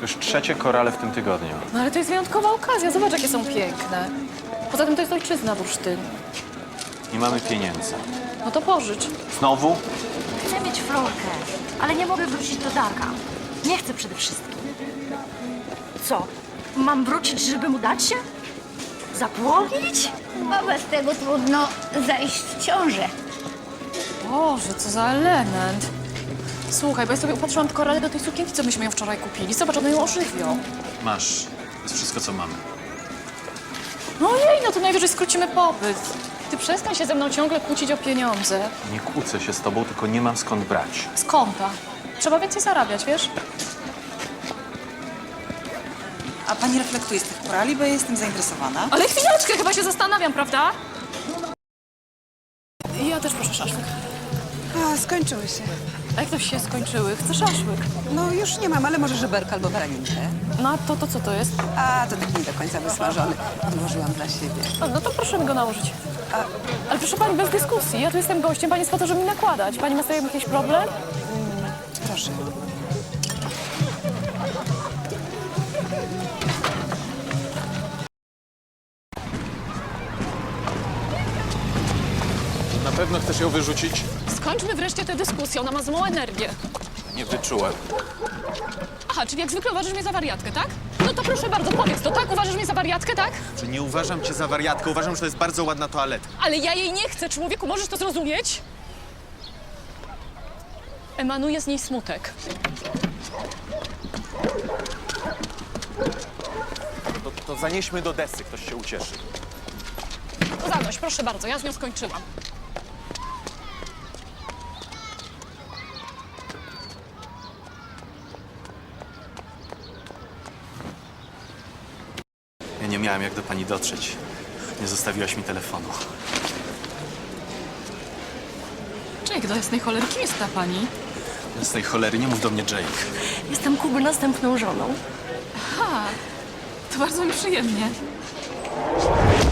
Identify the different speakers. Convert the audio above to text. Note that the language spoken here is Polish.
Speaker 1: Już trzecie korale w tym tygodniu.
Speaker 2: No ale to jest wyjątkowa okazja, zobacz jakie są piękne. Poza tym to jest ojczyzna bursztyn.
Speaker 1: Nie mamy pieniędzy.
Speaker 2: No to pożycz.
Speaker 1: Znowu?
Speaker 3: Chcę mieć Florkę, ale nie mogę wrócić do Darka. Nie chcę przede wszystkim. Co? Mam wrócić, żeby mu dać się? Zapłonić?
Speaker 4: A bez tego trudno zajść w ciążę.
Speaker 2: Boże, co za element. Słuchaj, bo ja sobie upatrzyłam te korale do tej sukienki, co myśmy ją wczoraj kupili. Zobacz, one ją ożywią.
Speaker 1: Masz. To jest wszystko, co mamy.
Speaker 2: No jej, no to najwyżej skrócimy popyt. Ty przestań się ze mną ciągle kłócić o pieniądze.
Speaker 1: Nie kłócę się z tobą, tylko nie mam skąd brać.
Speaker 2: Z konta. Trzeba więcej zarabiać, wiesz?
Speaker 5: A pani reflektuje z tych korali, bo ja jestem zainteresowana.
Speaker 2: Ale chwileczkę, chyba się zastanawiam, prawda? Ja też proszę szaszłyk.
Speaker 5: A, skończyły się.
Speaker 2: A jak to się skończyły? Chcę szaszłyk.
Speaker 5: No już nie mam, ale może żeberka albo baraninkę.
Speaker 2: No a to co to jest?
Speaker 5: A, to taki nie do końca wysmażony. Odłożyłam dla siebie.
Speaker 2: No to proszę mi go nałożyć. Ale proszę pani, bez dyskusji. Ja tu jestem gościem, pani jest po to, żeby mi nakładać. Pani ma z tym jakiś problem?
Speaker 5: Proszę.
Speaker 1: Na pewno chcesz ją wyrzucić?
Speaker 2: Skończmy wreszcie tę dyskusję, ona ma złą energię.
Speaker 1: Nie wyczułem.
Speaker 2: Aha, czyli jak zwykle uważasz mnie za wariatkę, tak? No to proszę bardzo, powiedz to, tak? Uważasz mnie za wariatkę, tak?
Speaker 6: Że nie uważam cię za wariatkę, uważam, że to jest bardzo ładna toaleta.
Speaker 2: Ale ja jej nie chcę, człowieku, możesz to zrozumieć? Emanuje z niej smutek.
Speaker 6: To zanieśmy do desy, ktoś się ucieszy.
Speaker 2: To zanoś, proszę bardzo, ja z nią skończyłam.
Speaker 1: Ja nie miałem jak do pani dotrzeć. Nie zostawiłaś mi telefonu.
Speaker 2: Jake, do jasnej cholery, kim jest ta pani?
Speaker 1: Z tej cholery nie mów do mnie, Jake.
Speaker 3: Jestem Kuby następną żoną.
Speaker 2: Ha, to bardzo mi przyjemnie.